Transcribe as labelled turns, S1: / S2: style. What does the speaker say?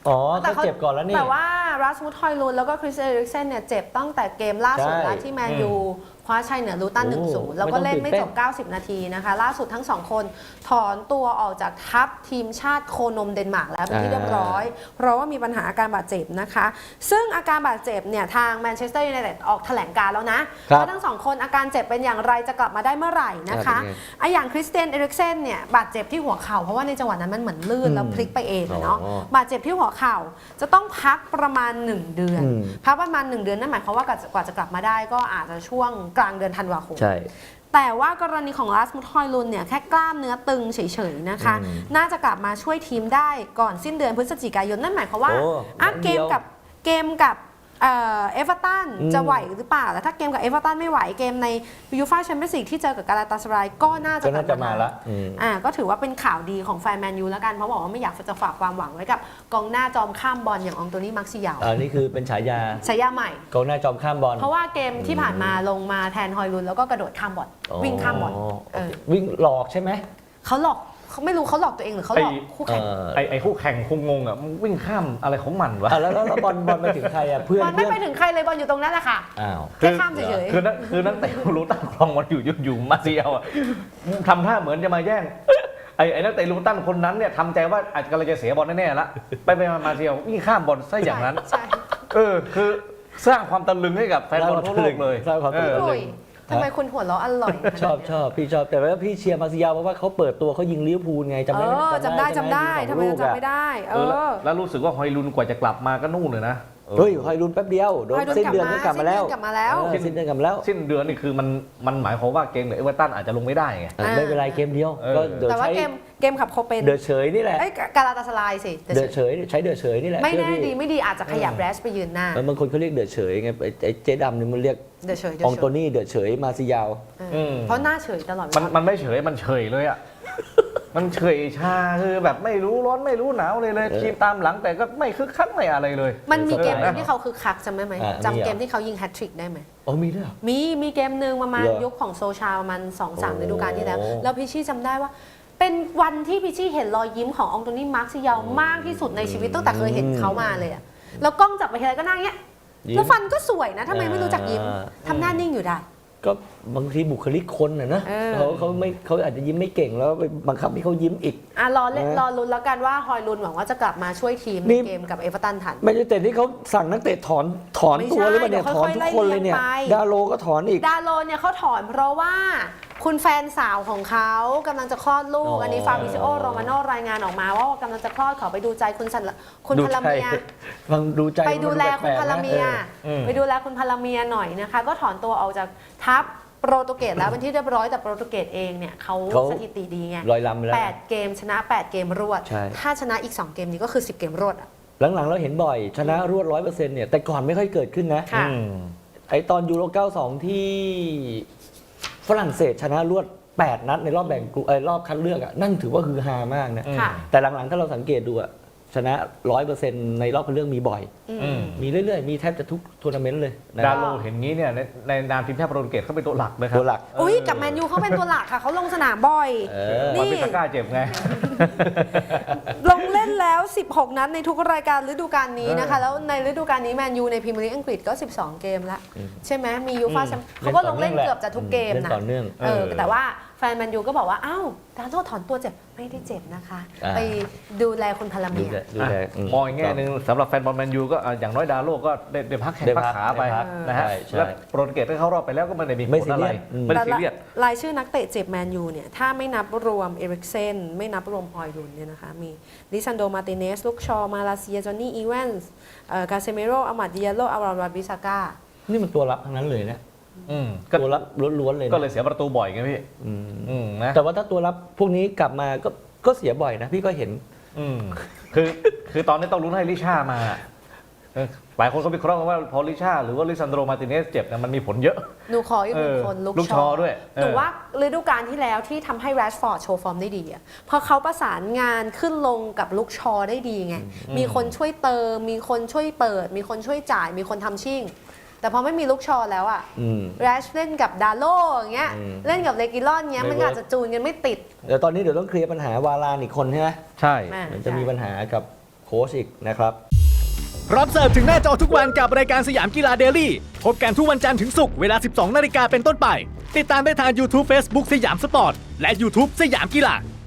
S1: อ๋อเขาเจ็บก่อนแล้วนี่
S2: แต่ว่ารัสมุส ฮอยลุนแล้วก็คริสเอริกเซนเนี่ยเจ็บตั้งแต่เกมล่าสุดแล้วที่แมนยูคว้าชัยเหนือลูตัน 1-0 แล้วก็เล่นไม่จบ 90 นาทีนะคะล่าสุดทั้ง 2 คนถอนตัวออกจากทัพทีมชาติโคนมเดนมาร์กแล้วเป็นที่เรียบร้อยเพราะว่ามีปัญหาอาการบาดเจ็บนะคะซึ่งอาการบาดเจ็บเนี่ยทางแมนเชสเตอร์ยูไนเต็ดออกแถลงการแล้วนะว่าทั้ง 2 คนอาการเจ็บเป็นอย่างไรจะกลับมาได้เมื่อไหร่นะคะอย่างคริสเตียนเอริกเซนเนี่ยบาดเจ็บที่หัวเข่าเพราะว่าในจังหวะนั้นมันเหมือนลื่นแล้วพลิกไปเองเนาะบาดเจ็บที่หัวเข่าจะต้องพักประมาณ1 เดือนพักประมาณ1 เดือนนั่นหมายความว่ากว่าจะกลับมาได้ก็อาจจะช่วงกลางเดือนธันวาคมแต่ว่ากรณีของรัสมุส ฮอยลุนเนี่ยแค่กล้ามเนื้อตึงเฉยๆนะคะน่าจะกลับมาช่วยทีมได้ก่อนสิ้นเดือนพฤศจิกายนนั่นหมายความว่าเกมกับเอเวอร์ตันจะไหวหรือเปล่าแล้วถ้าเกมกับเอเวอร์ตันไม่ไหวเกมในยูฟ่าแชมเปี้ยนส์ลีกที่เจอกับกาลาตาสารายก็น่าจะกลับมาแล้วก็ถือว่าเป็นข่าวดีของแฟนแมนยูแล้วกันเพราะบอกว่าไม่อยากจะฝากความหวังไว้กับกองหน้าจอมข้ามบอลอย่างอองโตนี่ มาร์เซียล
S1: นี่คือเป็นฉายา
S2: ใหม่
S1: กองหน้าจอมข้ามบอล
S2: เพราะว่าเกมที่ผ่านมาลงมาแทนฮอยลุนแล้วก็กระโดดข้ามบอลวิ่งข้ามบอล
S1: วิ่งหลอกใช่ไหม
S2: เขาหลอกเขาไม่รู้เขาหลอกตัวเองหรือเขาหลอกคู่แข่ง
S3: ไอ้คู่แข่งคงงงอ่ะวิ่งข้ามอะไรของมันวะ
S1: แล้วบอลไปถึงใครอ่ะเพื่อน
S2: บอลไม่ไปถึงใครเลยบอลอยู่ตรงนั้นแหละค่ะแค่ข้ามเฉย
S3: ๆคือนักเตะรู้ตั้งครองบอลอยู่มาเซียลอ่ะทำท่าเหมือนจะมาแย่งไอ้นักเตะลูตันคนนั้นเนี่ยทำใจว่าอาจจะกำลังจะเสียบอลแน่ๆละไปมาเซียลวิ่งข้ามบอลซะอย่างนั้นคือสร้างความตะลึงให้กับแฟนบอลทั่วโลกเลย
S1: สร้างความตะลึง
S2: ทำไมคุณหัวเราะอร่อย
S1: ชอบพี่ชอบแต่ว่าพี่เชียร์มาร์เซียลเพราะว่าเขาเปิดตัวเขายิงลิเวอร์พูลไงจำได้
S2: จำได้ทำไมจำไม่ได้
S3: แล้วรู้สึกว่าฮอยลุนกว่าจะกลับมาก็นู่นเลยนะ
S1: ฮอยลุนแป๊บเดียวโดนสิ้นเดือนก็กลับมาแล้วสิ้นเดือนกลับมาแล้ว
S3: สิ้นเดือนนี่คือมันหมายความว่าเกมกับเอเวอร์ตันอาจจะลงไม่ได้ไง
S1: ไม่เป็นไรเกมเดียวก็
S2: แต่ว่าเกมขับโคเปน
S1: เดือดเฉยนี่แหละ
S2: กาลาตาสารายสิ
S1: เดือดเฉยใช้เดือดเฉยนี่แหละ
S2: ไม่แน่ดีไม่ดีอาจจะขยับแรชไปยืนหน้า
S1: บางคนเขาเรียกเดือดเฉยไงไอ้เจ๊ดำนี่มันเรียก
S2: เดือดเฉย
S1: องโตนี่เดือดเฉยมาร์เซียล
S2: เพราะหน้าเฉยตลอด
S3: มันไม่เฉยมันเฉยเลยอ่ะมันเฉยชาคือแบบไม่รู้ร้อนไม่รู้หนาวเลยทีมตามหลังแต่ก็ไม่คึกคักไม่อะไรเลย
S2: มันมีเกมที่เขาคึกคักจำได้ไหมจำเกมที่เขายิงแฮตทริกได้ไหม
S1: มีด้วย
S2: มีเกมหนึ่งประมาณยุคของโซชาประมาณ 2-3 ฤดูกาลที่แล้วพิชชี่จำได้ว่าเป็นวันที่พิชชี่เห็นรอยยิ้มของอองโตนี่ มาร์เซียลมากที่สุดในชีวิตตั้งแต่เคยเห็นเขามาเลยอะแล้วกล้องจับไปทีไรก็นั่งเงี้ยแล้วฟันก็สวยนะทำไมไม่รู้จักยิ้มทำหน้านิ่งอยู่ได้
S1: ก็บางทีบุคลิกคนนะเขาอาจจะยิ้มไม่เก่งแล้วไปบังคับให้เขายิ้มอีก
S2: รอลุ้นแล้วกันว่าฮอยลุนหวังว่าจะกลับมาช่วยทีมในเกมกับเอเวอร์ตันทัน
S1: ไม่ใช่แต่ที่เขาสั่งนักเตะถอนตัวหรือเปล่าเนี่ยถอนทุกคนเลยเนี่ยดาโลก็ถอนอีก
S2: ดาโลเนี่ยเขาถอนเพราะว่าคุณแฟนสาวของเขากำลังจะคลอดลูกอันนี้ฟาบิซิโอโรมาโนรายงานออกมาว่ากำลังจะคลอดขอไปดูใจคุณพลเมียไปดูแลคุณพลเมียหน่อยนะคะก็ถอนตัวออกจากทัพโปรตุเกสแล้วเป็นที่เรียบร้อยแต่โปรตุเกสเองเนี่ยเขาสถิติดีไง8 เกมชนะ8 เกมรวดถ้าชนะอีก2 เกมนี้ก็คือ10 เกมรวด
S1: หลังๆเราเห็นบ่อยชนะรวด 100% เนี่ยแต่ก่อนไม่ค่อยเกิดขึ้นนะไอตอนยูโร 92 ที่ฝรั่งเศสชนะรวด8 นัดในรอบแบ่งกลุ่มรอบคัดเลือกนั่นถือว่าคือฮามากนะแต่หลังๆถ้าเราสังเกตดูชนะ 100% ในรอบคัดเลือกมีบ่อยมีเรื่อยๆมีแทบจะทุกทัวร์นาเมนต์เลย
S3: ดาโลเห็นงี้เนี่ยในนามทีมชาติโปรตุเกสเขาเป็นตัวหลักเลยครับ
S1: ตัวหลัก
S2: กับแมนยูเขาเป็นตัวหลักค่ะเขาลงสนามบ่อย
S3: นี่พิซาก้าเจ็บไง
S2: ลงเล่นแล้ว16 นัดในทุกรายการฤดูกาลนี้นะคะแล้วในฤดูกาลนี้แมนยูในพรีเมียร์ลีกอังกฤษก็12 เกมแล้วใช่ไหมมียูฟ่าแชมเปี้ยนเขาก็ลงเล่นเกือบจะทุกเกมนะแต่ว่าแฟนแมนยูก็บอกว่าอ้าวดาโลถอนตัวเจ็บไม่ได้เจ็บนะคะไปดูแลคุณพลเมีย
S3: มองอีกแง่นึงสำหรับแฟนบอลแมนยูก็อย่างน้อยดาโลก็ได้พักแข้งพักขาไปนะฮะแล้วโปรตุเกสถ้าเข้ารอบไปแล้วก็ไม่ได้มีผลอะไรไม่ได้ซีเรียส
S2: รายชื่อนักเตะเจ็บแมนยูเนี่ยถ้าไม่นับรวมเอริกเซนไม่นับรวมฮอยลุนเนี่ยนะคะมีลิซันโดมาร์ติเนสลูกชอมาลาเซียจอห์นนี่อีแวนส์กาเซเมโรอามาดิยาโลอารอนบิซาก้า
S1: นี่มันตัวรับทั้งนั้นเลยนะตัวรับล้วนๆเลย
S3: ก็เลยเสียประตูบ่อยไงพี่
S1: นะแต่ว่าถ้าตัวรับพวกนี้กลับมาก็เสียบ่อยนะพี่ก็เห็น
S3: คือตอนนี้ต้องลุ้นให้ลิช่ามาหลายคนก็วิเคราะห์ว่าพอลิช่าหรือว่าลิซันโดมาร์ติเนสเจ็บเนี่ยมันมีผลเยอะ
S2: หนูขออีกหนึ่งคน
S3: ลูกชอด้วย
S2: หนูว่าฤดูกาลที่แล้วที่ทำให้แรชฟอร์ดโชว์ฟอร์มได้ดีอ่ะพอเขาประสานงานขึ้นลงกับลูกชอได้ดีไงมีคนช่วยเติมมีคนช่วยเปิดมีคนช่วยจ่ายมีคนทำชิ่งแต่พอไม่มีลูกชอแล้วอะแรชเล่นกับดาโลอย่างเงี้ยเล่นกับเลกิลอนเงี้ยมันอาจจะจูนกันไม่ติด
S1: เดี๋ยวตอนนี้เดี๋ยวต้องเคลียร์ปัญหาวารานอีกคนใช่ไหม
S3: ใช่
S1: มันจะมีปัญหากับโค้ชอีกนะครับ
S4: พร้อมเสิร์ฟถึงหน้าจอทุกวันกับรายการสยามกีฬาเดลี่พบกันทุกวันจันทร์ถึงศุกร์เวลา 12 นาฬิกาเป็นต้นไปติดตามได้ทาง YouTube Facebook สยามสปอร์ตและ YouTube สยามกีฬา